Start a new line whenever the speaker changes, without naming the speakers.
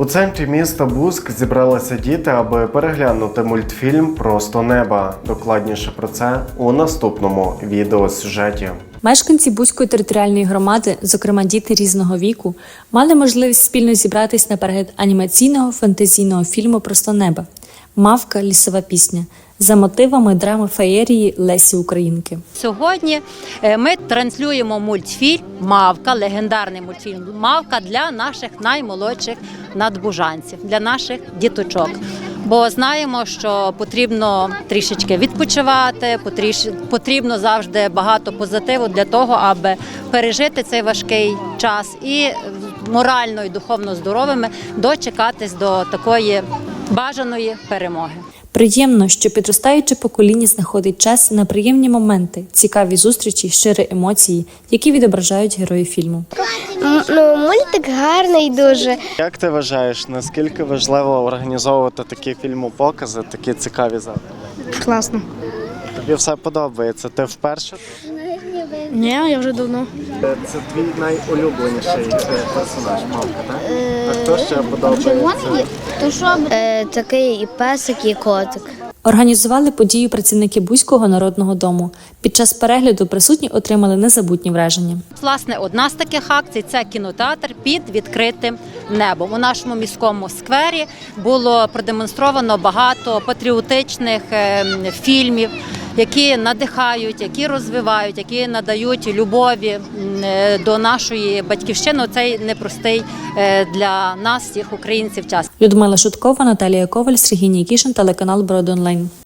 У центрі міста Буськ зібралися діти, аби переглянути мультфільм «Просто неба». Докладніше про це у наступному відеосюжеті.
Мешканці Буської територіальної громади, зокрема діти різного віку, мали можливість спільно зібратись на перегляд анімаційного фантазійного фільму «Просто неба» «Мавка. Лісова пісня» за мотивами драми феєрії Лесі Українки.
Сьогодні ми транслюємо мультфільм «Мавка», легендарний мультфільм «Мавка» для наших наймолодших надбужанців, для наших діточок. Бо знаємо, що потрібно трішечки відпочивати, потрібно завжди багато позитиву для того, аби пережити цей важкий час і морально і духовно здоровими дочекатись до такої бажаної перемоги.
Приємно, що підростаюче покоління знаходить час на приємні моменти, цікаві зустрічі, щирі емоції, які відображають герої фільму.
Мультик гарний дуже.
Як ти вважаєш, наскільки важливо організовувати такі фільмопокази, такі цікаві заходи?
Класно.
Тобі все подобається? Ти вперше?
Ні, я вже давно.
Це твій найулюбленіший персонаж, Мавка, так? А хто ще подобається?
Такий і песик, і котик.
Організували подію працівники Буського народного дому. Під час перегляду присутні отримали незабутні враження.
Власне, одна з таких акцій – це кінотеатр під відкритим небом. У нашому міському сквері було продемонстровано багато патріотичних фільмів, які надихають, які розвивають, які надають любові до нашої батьківщини. Цей непростий для нас, всіх українців, час.
Людмила Шуткова, Наталія Коваль, Сергій Нікішин, телеканал Броди Онлайн.